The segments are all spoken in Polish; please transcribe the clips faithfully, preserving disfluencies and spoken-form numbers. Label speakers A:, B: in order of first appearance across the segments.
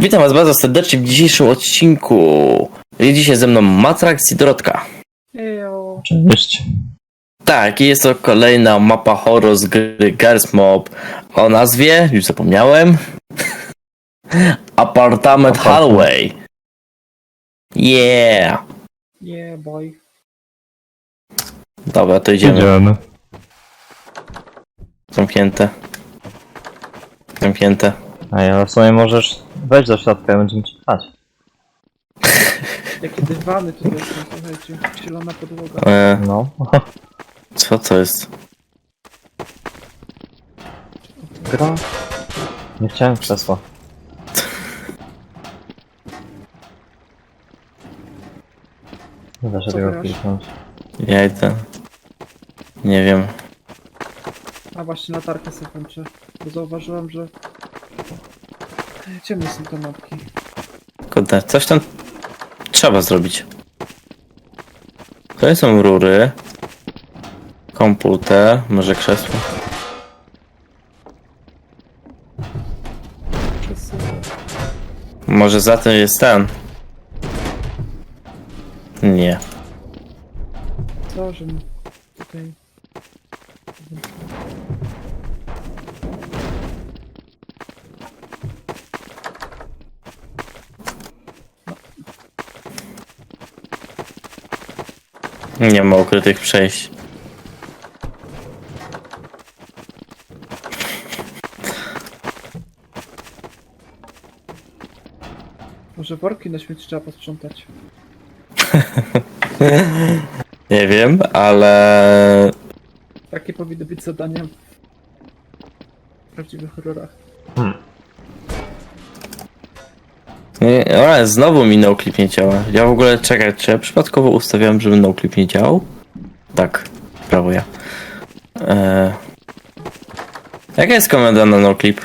A: Witam was bardzo serdecznie w dzisiejszym odcinku. Jest dzisiaj ze mną Matrax i Dorotka.
B: Ejo.
C: Cześć.
A: Tak, i jest to kolejna mapa horror z gry Girls Mob o nazwie, już zapomniałem, Apartament Hallway. Yeah.
B: Yeah, boy.
A: Dobra, to idziemy.
C: Idziemy.
A: Zamknięte. Zamknięte.
C: A ja w sumie możesz wejść do środka i będziemy ci pchać.
B: Jakie dywany tu są, słuchajcie. Zielona podłoga.
A: E,
C: No.
A: co to jest?
C: Gra. Nie chciałem krzesła. Nie da się
B: Co
C: tego
B: grasz?
C: kliknąć.
A: Ja idę. Nie wiem.
B: A właśnie latarkę sobie kończę. Bo zauważyłem, że... Ciemne są te mapki.
A: Kurde, coś tam trzeba zrobić. To są rury. Komputer, może krzesło.
B: Przez...
A: Może za tym jest ten. Nie.
B: Co, że mi tutaj...
A: Nie ma ukrytych przejść.
B: Może worki na śmieci trzeba posprzątać.
A: Nie wiem, ale...
B: Takie powinny być zadania w prawdziwych horrorach.
A: Nie, ale znowu mi noclip nie działa. Ja w ogóle, czekaj, czy ja przypadkowo ustawiałem, żeby noclip nie działał? Tak, prawo ja. Eee... Jaka jest komenda na noclip?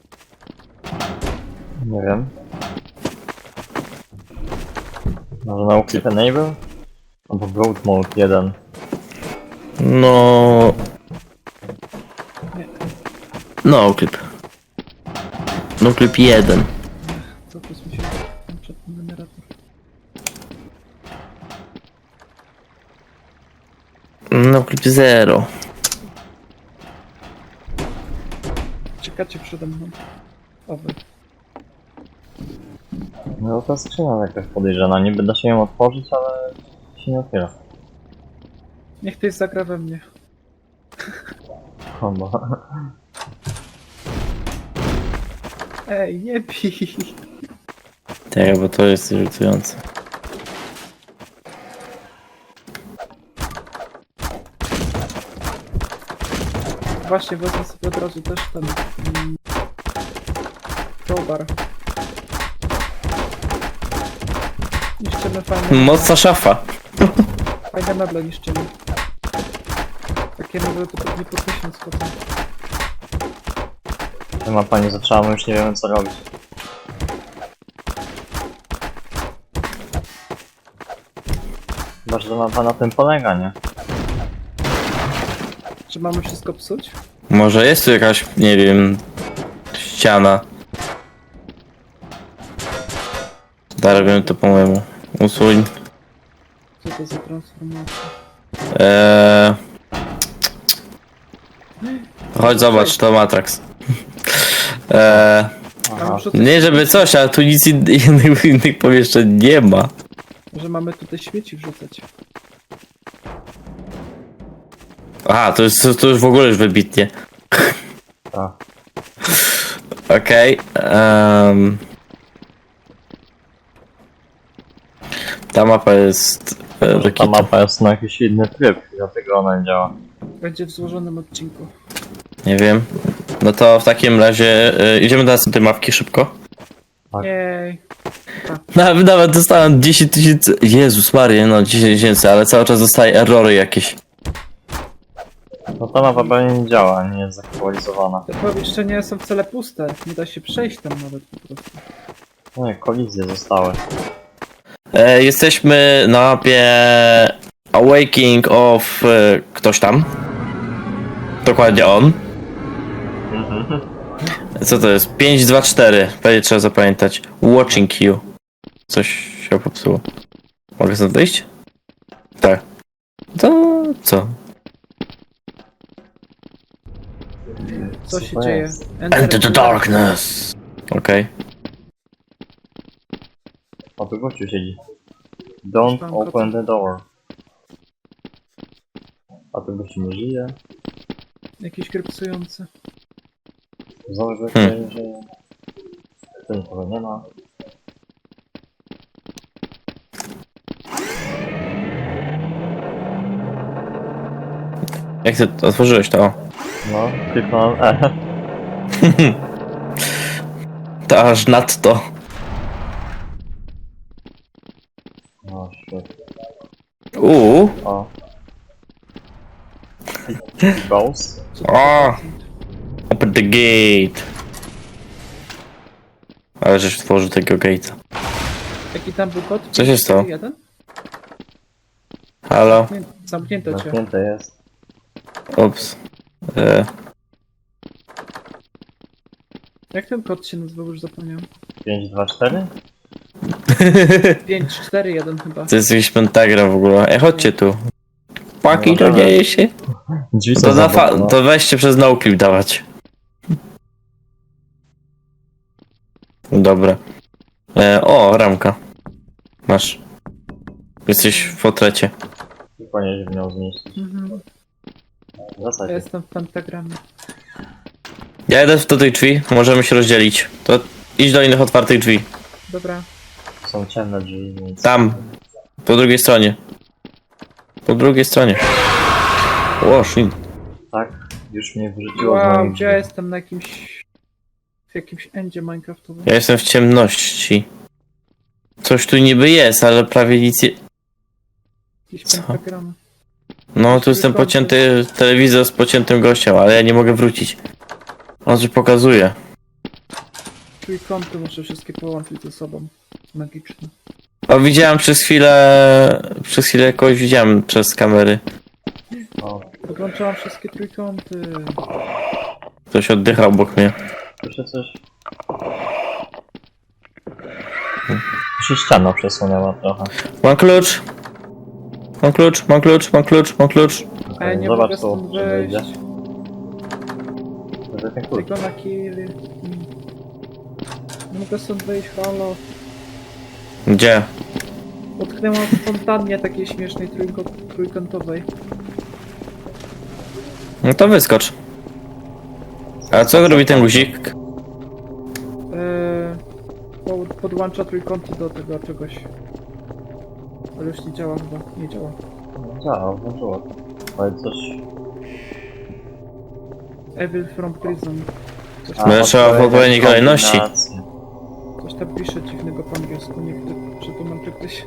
C: Nie wiem. Może na Uclip Enable? Albo Broad Mode jeden.
A: No...
B: Nie.
A: Noclip. Noclip jeden.
B: Co tu mi się... Przed ten generator.
A: Noclip zero.
B: Czekacie przede mną. Owy.
C: No ta skrzynia jakaś podejrzana. Niby da się ją otworzyć, ale się nie otwiera.
B: Niech ktoś zagra we mnie.
C: Chyba.
B: Ej, nie bij!
A: Tak, bo to jest irytujące.
B: Właśnie, wezmę sobie od razu też ten... Mm, crowbar. Niszczymy fajne...
A: Mocna szafa.
B: Fajne meble niszczymy. Takie meble to pewnie po tysiąc potem.
C: Ta mapa nie zaczęła, my już nie wiemy co robić. Chyba, że mapa na tym polega, nie?
B: Czy mamy wszystko psuć?
A: Może jest tu jakaś, nie wiem, ściana. Da, robimy to po mojemu. Usuń.
B: Co to za transformacja?
A: Eee... Chodź zobacz, to Matrax. Eee...
B: A
C: Aha.
B: muszę coś...
A: Nie żeby coś, ale tu nic in- innych, innych pomieszczeń nie ma.
B: Że mamy tutaj śmieci wrzucać.
A: Aha, to jest to już w ogóle już wybitnie.
C: Tak.
A: Okej. em. Ta mapa jest... e,
C: Ta
A: Rokita.
C: mapa jest na jakiś inny tryb, dlatego ona nie działa.
B: Będzie w złożonym odcinku.
A: Nie wiem. No to w takim razie e, idziemy do następnej mapki szybko.
C: Tak.
B: Jej.
A: Nawet, nawet dostałem dziesięć tysięcy. Jezus Maria, no dziesięć tysięcy, ale cały czas dostaję errory jakieś.
C: No ta mapa pewnie nie działa, nie jest zaktualizowana.
B: Te pomieszczenia są wcale puste. Nie da się przejść tam nawet po prostu.
C: No nie, kolizje zostały.
A: E, jesteśmy na mapie Awakening of e, ktoś tam. Dokładnie on. Co to jest? pięć dwa cztery. Pewnie trzeba zapamiętać. Watching you. Coś się popsuło. Mogę stąd wyjść? Tak. To co?
B: Co się
C: to
B: dzieje?
C: jest?
A: Enter the darkness. Okej.
C: O, tu gościu siedzi. Don't
B: Tam
C: open the door. A tu gościu nie żyje.
B: Jakiś grypsujący.
C: Znowu gościu
A: Hmm.
C: nie żyje. Tu nikogo nie ma.
A: Jak ty otworzyłeś to? O.
C: No, kliknąłem E.
A: To aż nadto.
C: No, shit.
A: Uuu.
C: O. Ghost.
B: Co to
A: O!
B: za
A: Open the gate. Ale żeś otworzył tego gate'a.
B: Jaki tam był kod?
A: Co się stało?
B: Jeden?
A: Halo?
B: Nie, zamknięto cię.
C: Zamknięte jest.
A: Ups. E,
B: Jak ten kod się nazywał? Już zapomniałem.
C: pięć dwa cztery?
B: pięć cztery jeden chyba.
A: to jest jakiś pentagram w ogóle. Ej, chodźcie tu. Paki, to dzieje się?
C: Drzwi są
A: To, na fa-
C: zablokowane.
A: to weźcie przez noclip dawać. Dobra. E, o, ramka. Masz. Jesteś w potrecie.
C: I powinieneś w nią zmieścić.
B: Mhm.
C: W
B: Ja
C: zasadzie.
B: jestem w pentagramie.
A: Ja jedę do tej drzwi, możemy się rozdzielić. To idź do innych otwartych drzwi.
B: Dobra.
C: Są ciemne drzwi, więc...
A: Tam. Po drugiej stronie. Po drugiej stronie. O, shit.
C: Tak, już mnie wrzuciło z
B: Wow,
C: moich
B: gdzie ja
C: drzwi.
B: jestem na jakimś... W jakimś endzie minecraftowym.
A: Ja jestem w ciemności. Coś tu niby jest, ale prawie nic nie...
B: Jakiś
A: Co?
B: pentagram.
A: No, tu jestem pocięty telewizor z pociętym gościem, ale ja nie mogę wrócić. On coś pokazuje.
B: Trójkąty muszę wszystkie połączyć ze sobą. Magiczne.
A: O, widziałem przez chwilę... Przez chwilę kogoś widziałem przez kamery.
C: O,
B: Podłączałam wszystkie trójkąty.
A: Ktoś oddychał obok mnie.
C: słyszę coś. Tu się ściana przesunęła trochę.
A: Mam klucz. Mam klucz, mam klucz, mam klucz, mam klucz.
B: A ja nie
C: Zobacz
B: mogę
C: tu,
B: stąd
C: czy wyjdzie.
B: wyjść.
C: To jest ten klucz.
B: Tylko na kill. Mm. Nie mogę stąd wyjść, halo.
A: Gdzie?
B: Utknęłam w fontannie takiej śmiesznej trójko- trójkątowej.
A: No to wyskocz. A co robi ten guzik?
B: Eee, po- podłącza trójkąty do tego czegoś. Ale już nie działa chyba. Nie działa.
C: No, działa, włączyło. Ale coś...
B: Evil from prison. Coś
C: A,
B: tam,
A: Będę trzeba w odpowiedniej kolejności.
C: kombinacji.
B: coś tam pisze dziwnego po angielsku. Niech to przetłumaczy ktoś.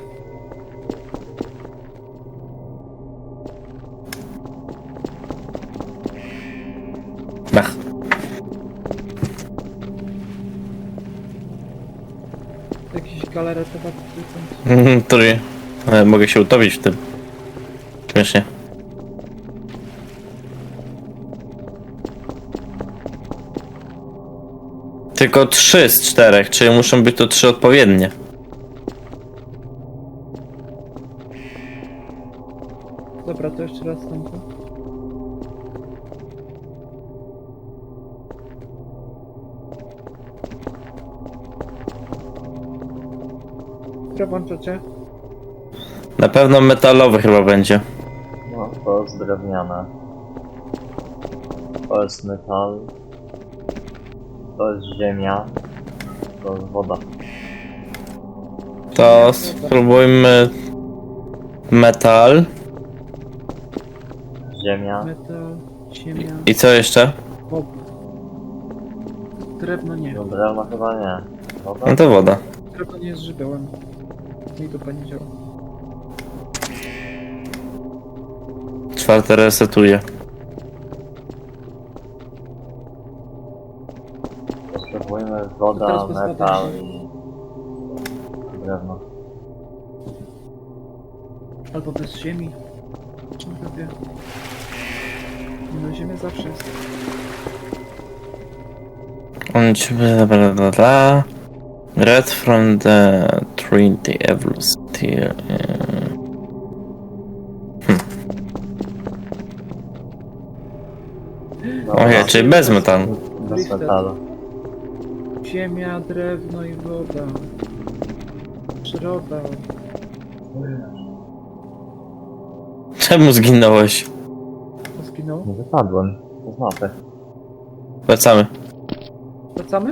A: Ach.
B: Jakiś galaretowaty trójkąt.
A: Mhm, Który? E, mogę się utopić w tym. Śmiesznie. Tylko trzy z czterech, czyli muszą być to trzy odpowiednie.
B: Dobra, to jeszcze raz tam. to. Które włączacie?
A: Na pewno metalowy chyba będzie.
C: No, to jest drewniane. To jest metal. To jest ziemia. To jest woda.
A: To spróbujmy metal.
C: Ziemia.
B: Metal, ziemia,
A: I co jeszcze?
B: woda. Drewno nie.
C: No drewno chyba nie. Woda?
A: No to woda.
B: Drewno nie jest żywiołem. Mi to pani działa.
A: Czwarte resetuje.
C: Potrzebujemy
B: To
C: woda,
B: teraz bez
C: metal
B: wody.
C: i drewno.
B: Albo bez ziemi. Czym wie? No ziemia zawsze jest.
A: Und bla bla bla bla. Red from the Trinity Velocity. Ojej, czyli bez metalu.
C: Bez metalu.
B: Ziemia, drewno i woda. Przyroda.
A: Czemu zginąłeś?
B: Zginął.
C: Nie wypadłem. To z mapy.
A: Wracamy.
B: Wracamy?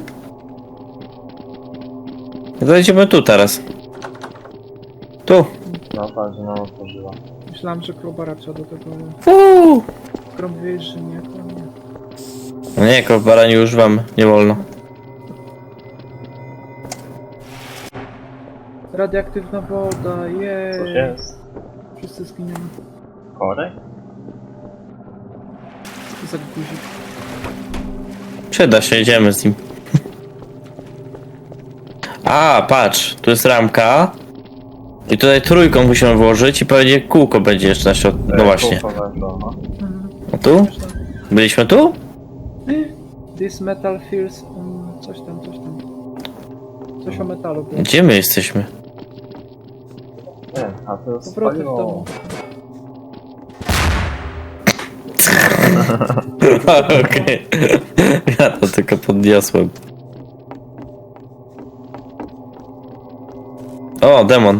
A: Zajdziemy tu teraz. Tu.
C: Mapa, że nam otworzyła.
B: Myślałem, że Krobara trzeba do tego, ale...
A: Uuu.
B: Skoro mówiłeś, że nie, to nie.
A: No nie, kowbara nie używamy. Nie wolno.
B: Radioaktywna woda,
C: Coś
B: jej.
C: jest?
B: Wszyscy zginiemy.
C: Korek?
B: Co to za guzik?
A: Przyda się, jedziemy z nim. A, patrz, tu jest ramka. I tutaj trójką musimy włożyć i pewnie kółko będzie jeszcze na środku. No właśnie.
C: Kółko weszło, no.
B: Mhm.
A: A tu? Byliśmy tu?
B: This metal feels... Um, coś tam, coś tam. Coś o metalu było.
A: Gdzie my jesteśmy?
C: Nie, a to jest
B: Powroty w
C: spaliło.
B: domu.
A: Okej. Ja to tylko podniosłem. O, demon.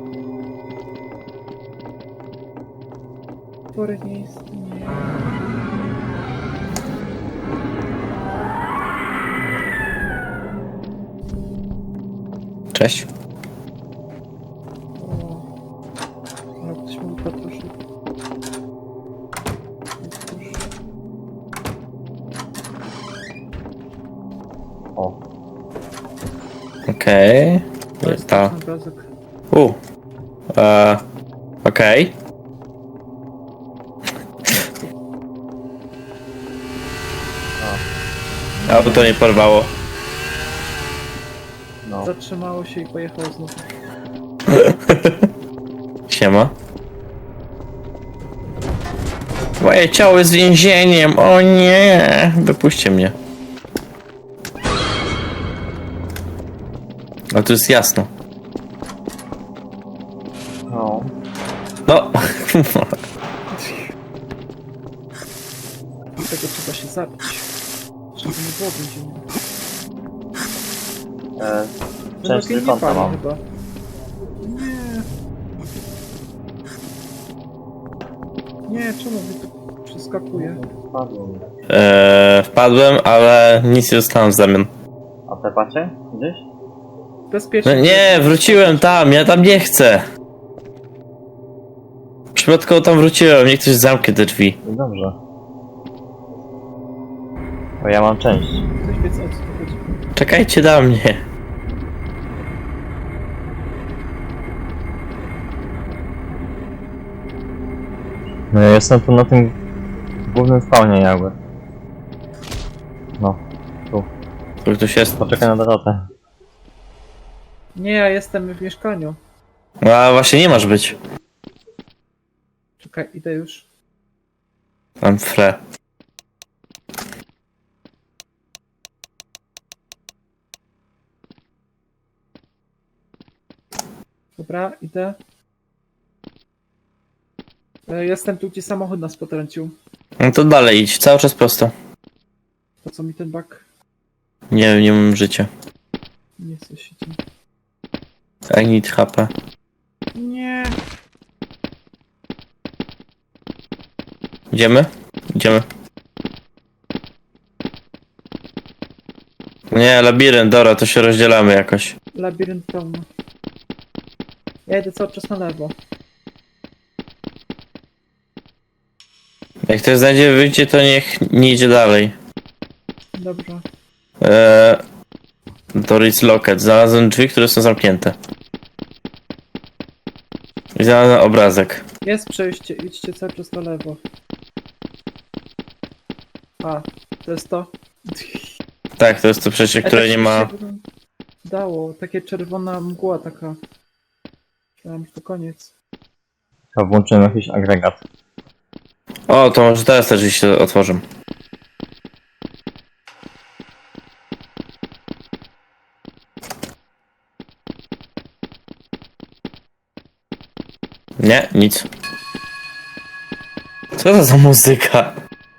B: Potwory nie istnieje.
A: Cześć.
B: O. Ale ktoś mógł patroszyć.
C: O,
A: Okej.
B: To jest
A: Ta.
B: ten obrazek.
A: U. E, Okej. Auto nie porwało.
C: no.
B: Zatrzymało się i pojechało znowu.
A: Siema. Moje ciało jest więzieniem, o nie! Wypuśćcie mnie. A tu jest jasno.
C: No.
A: No.
B: Dlatego trzeba się zabić. Żeby nie było więzienia.
C: E,
B: No
C: część
B: lepiej nie
C: trójkąta
B: pali
C: mam.
B: chyba. Nie. Nie, czemu mi tu przeskakuje?
C: Spadło mi.
A: Eee, wpadłem, ale nic nie dostałem w zamian.
C: A tepacie? Gdzieś?
B: Bezpiecznie.
A: No nie, wróciłem tam, ja tam nie chcę. Przypadkowo tam wróciłem, niech ktoś zamknie te drzwi.
C: No dobrze. Bo ja mam część.
B: Ktoś wie, o co tu chodzi.
A: Czekajcie na mnie.
C: No ja jestem tu na tym głównym spawnie jakby. No,
A: Tu ktoś jest.
C: poczekaj na Dorotę.
B: Nie, ja jestem w mieszkaniu.
A: No a właśnie nie masz być.
B: Czekaj, idę już.
A: Mam fre.
B: Dobra, idę. E, Jestem tu, gdzie samochód nas potrącił.
A: No to dalej idź, cały czas prosto.
B: Po co mi ten bak?
A: Nie, nie mam życia.
B: Nie chcę się tym.
A: I need H P.
B: Nie.
A: Idziemy? Idziemy. Nie, labirynt, dobra, to się rozdzielamy jakoś.
B: Labirynt pełny. Ja idę cały czas na lewo.
A: Jak ktoś znajdzie wyjście, to niech nie idzie dalej.
B: Dobrze.
A: Eee, to is locket. Znalazłem drzwi, które są zamknięte. I znalazłem obrazek.
B: Jest przejście, idźcie cały czas na lewo. A, to jest to.
A: Tak, to jest to przejście,
B: E,
A: które
B: tak
A: nie
B: się
A: ma...
B: się dało, takie czerwona mgła taka. Myślałem, że to koniec.
C: Chyba włączyłem jakiś agregat.
A: O, to może teraz te drzwi się otworzą. Nie, nic. Co to za muzyka?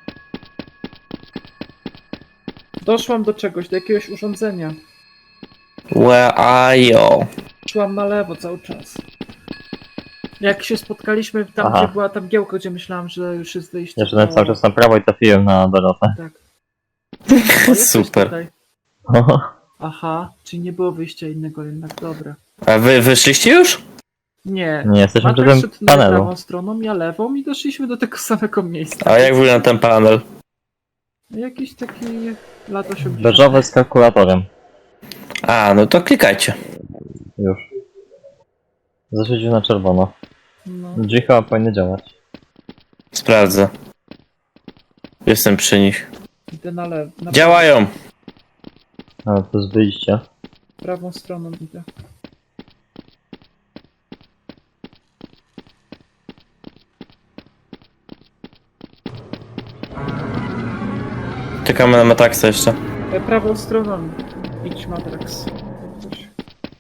B: Doszłam do czegoś, do jakiegoś urządzenia.
A: Where are you?
B: Szłam na lewo cały czas. Jak się spotkaliśmy tam,
C: Aha.
B: gdzie była ta mgiełka, gdzie myślałam, że już jest wyjście.
C: Ja szedłem cały czas na prawo i trafiłem na Dorotę.
B: Tak. O, jesteś
A: Super.
B: tutaj. Aha, czyli nie było wyjścia innego jednak, dobra.
A: A wy wyszliście już?
B: Nie.
C: Nie, jesteśmy przy
B: Matek
C: tym
B: szedł na
C: panelu.
B: prawą stroną, ja lewą i doszliśmy do tego samego miejsca.
A: A jak wygląda ten panel?
B: Jakiś taki lat osiemdziesiąte.
C: Beżowy z kalkulatorem.
A: A, no to klikajcie.
C: Już. Zaświecił na czerwono.
B: No.
C: Drzwi chyba powinny działać.
A: Sprawdzę. Jestem przy nich.
B: Idę na lewo. Na
A: Działają!
C: A, to jest wyjście.
B: prawą stroną idę.
A: Czekamy na Matraxa jeszcze.
B: E, prawą stroną. Idź Matrax. Coś.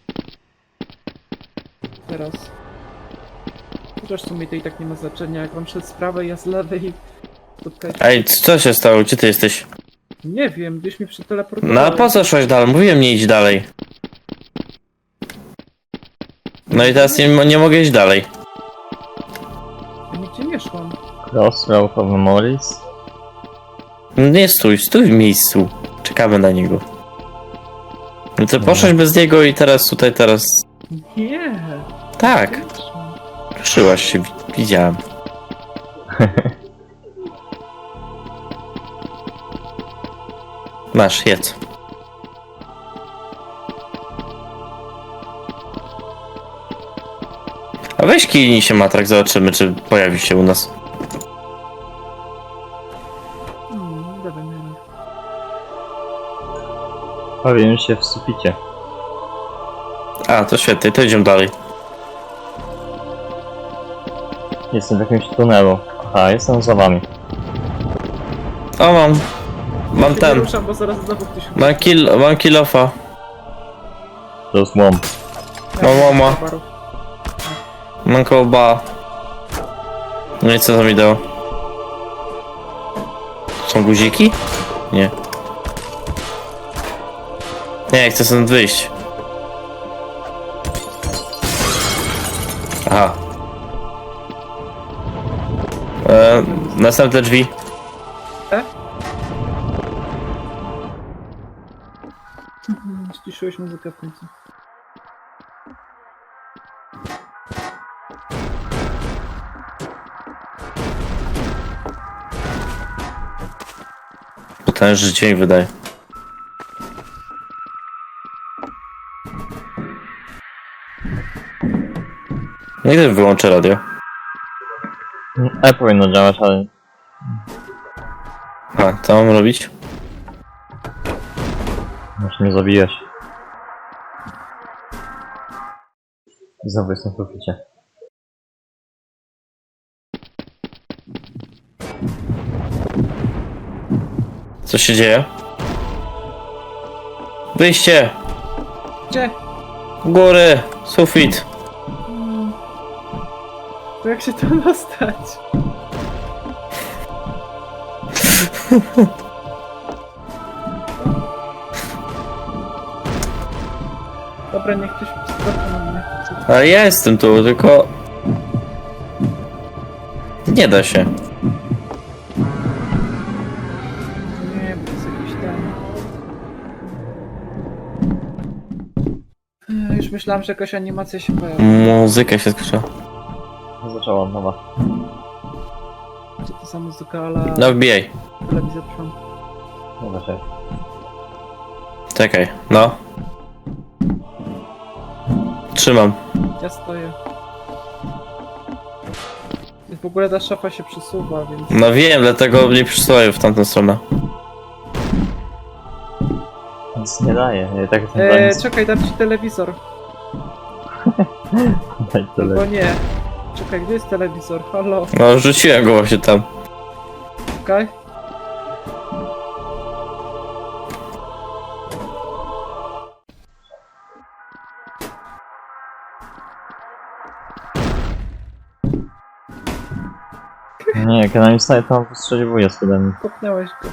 B: Teraz. Chociaż w sumie to i tak nie ma znaczenia, jak on szedł z prawej, ja z lewej. Spotkajcie.
A: Ej, co się stało? Gdzie ty jesteś?
B: Nie wiem, gdzieś mi przeteleportował.
A: No a po co szłeś dalej? Mówiłem nie idź dalej. No i teraz nie, nie mogę iść dalej.
B: Ja nigdzie nie szłam.
C: Crossroad of Memories.
A: No nie stój, stój w miejscu. Czekamy na niego. No to poszłeś bez niego i teraz tutaj, teraz...
B: Nie.
A: Tak,
B: Nie szłam.
A: ruszyłaś się, wi- widziałem. Masz, jedz. A weź kijnij się Matrak, zobaczymy czy pojawi się u nas.
B: Hmm, dawaj mnie.
C: Powiem się w suficie.
A: A, to świetnie, to idziemy dalej.
C: Jestem w jakimś tunelu. Aha, jestem za wami.
A: O, mam. Mam
B: Nie
A: ten.
B: ruszam, bo zaraz znowu ktoś...
A: Mam kill, mam killofa.
C: To jest łom.
A: Mam łoma. Mam kołba. No i co to mi dało? Są guziki? Nie. Nie, chcę stąd wyjść. Aha. E, następne drzwi.
B: Mhm, Ściszyłeś muzykę w końcu.
A: Potężny dźwięk wydaje. Nigdy wyłączę radio.
C: E powinno działać, ale...
A: A, co mam robić?
C: Może nie zabijesz. Znowu jestem w suficie.
A: Co się dzieje? Wyjście!
B: Gdzie?
A: Góry! Sufit!
B: Hmm. To jak się tam dostać? Dobra, niech ktoś sprawdza na mnie.
A: Ale ja jestem tu, tylko... Nie da się.
B: Nie, bo to jest jakiś ten... Ech, Już myślałam, że jakaś animacja się pojawi.
A: Muzyka się skończyła.
C: Zaczęła od nowa.
B: Co to za muzyka, ale...
A: No wbijaj.
B: Telewizja trwam.
C: Nie da się.
A: Czekaj, no. Trzymam.
B: Ja stoję. I w ogóle ta szafa się przesuwa, więc...
A: No wiem, dlatego nie przysłaję w tamtą stronę.
C: Nic nie daje. Ja i tak jestem
B: Eee,
C: za
B: czekaj, dam ci telewizor.
C: nic. Daj tyle.
B: Bo nie. Czekaj, gdzie jest telewizor? Halo,
A: No rzuciłem go właśnie tam.
B: czekaj.
C: Nie, jak ja na instanie to on postrzeliwuje z ode mnie.
B: Kopnęłeś go.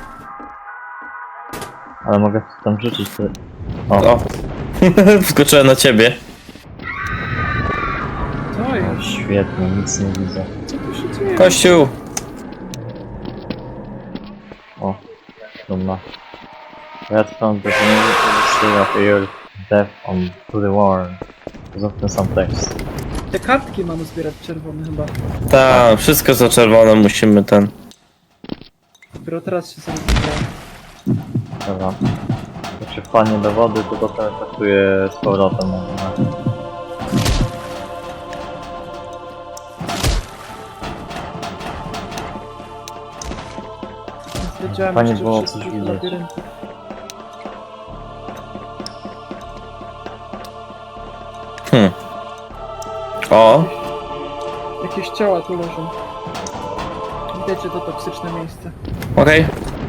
C: Ale mogę tam rzucić te... O,
A: O! Wskoczyłem na ciebie.
B: To jest.
C: świetnie, nic nie widzę.
B: Co tu się dzieje?
A: Kościół!
C: O, dumna. Red found the community of your death on to the war. Zostawmy sam tekst.
B: Te kartki mamy zbierać czerwone chyba.
A: Tak, wszystko za czerwone musimy ten.
B: Dopiero teraz się sobie
C: Dobra. Jak się wpadnie do wody, to potem traktuje z powrotem. No.
B: wiedziałem
C: Fajnie
B: jeszcze
C: było coś
B: wszystkich
C: widzieć.
B: labiryntów.
A: Hmm. O!
B: Jakieś ciała tu leżą. Widać, że to toksyczne miejsce.
A: Okej.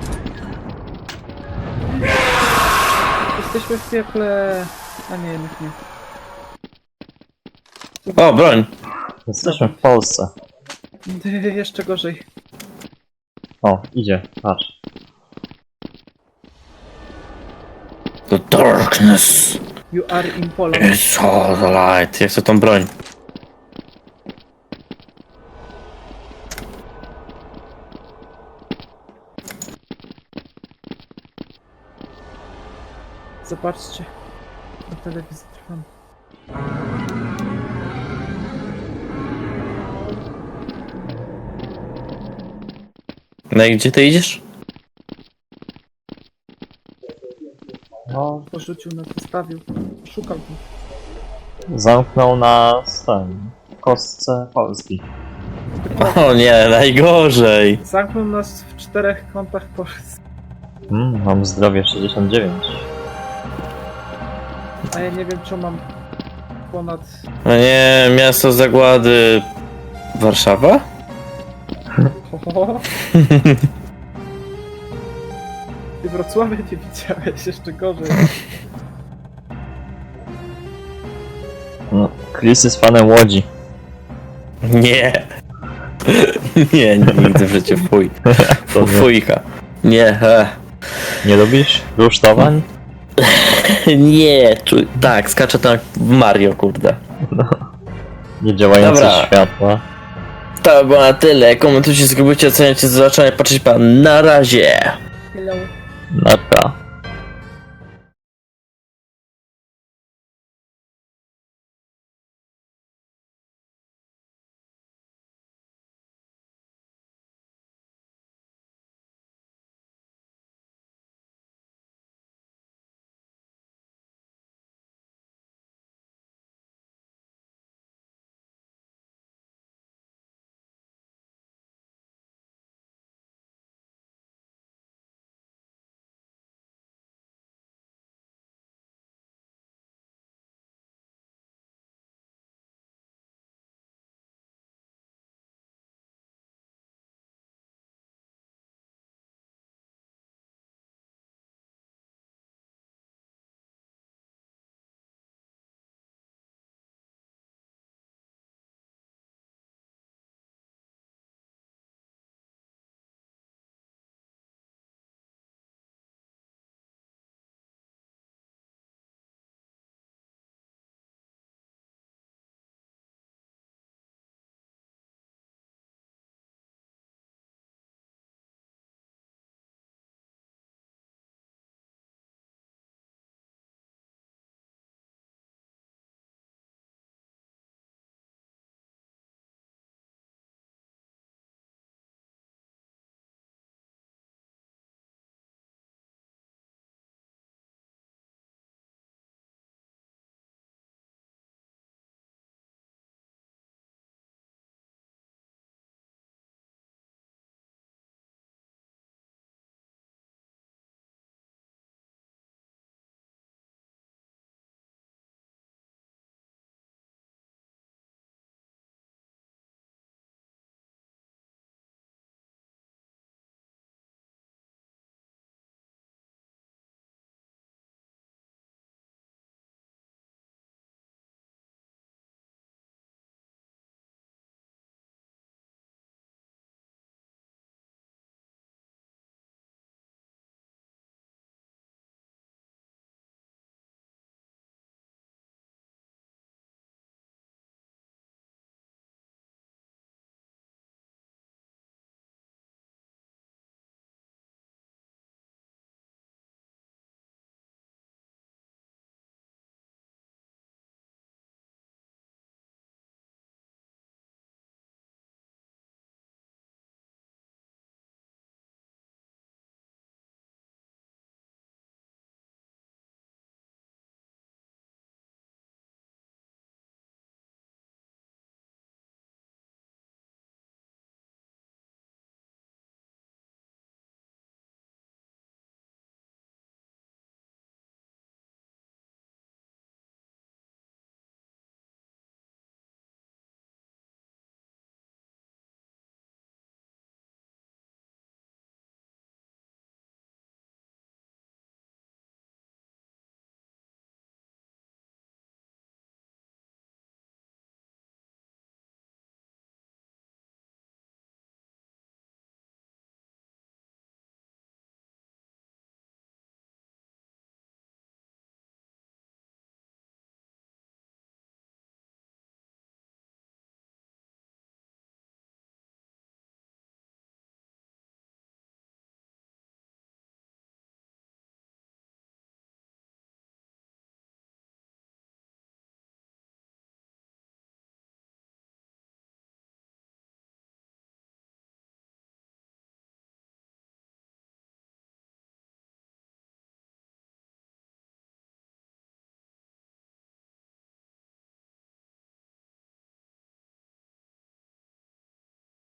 B: Jesteśmy w piekle... A nie, jednak nie.
A: O, broń!
C: Jesteśmy w Polsce.
B: Jeszcze gorzej.
C: O, idzie, patrz.
A: The darkness
B: You are in Poland.
A: is all the light. Jak to tą broń?
B: Zobaczcie. Na telewizji trwam.
A: No i gdzie ty idziesz?
C: No,
B: Porzucił nas, zostawił. Szukał go.
C: zamknął nas ten, w kostce Polski.
A: O nie, najgorzej!
B: Zamknął nas w czterech kątach Polski.
C: Mm, mam zdrowie sześćdziesiąt dziewięć.
B: A ja nie wiem, czy mam ponad...
A: No nie, miasto zagłady... Warszawa?
B: Ho, Ty Wrocławia nie widziałeś, jeszcze gorzej.
C: No, Chris jest fanem Łodzi.
A: Nie. Nie, nigdy w życiu, fuj.
C: To nie.
A: Fujka. Nie, e.
C: Nie lubisz rusztowań?
A: Nie, czu... tak, skaczę tam jak w Mario, kurde.
C: Niedziałające
A: Dobra.
C: światła.
A: To było na tyle, komentujcie, zgubujcie, oceniajcie, zobaczenia, patrzeć pan, na razie!
B: Hello.
C: Nara.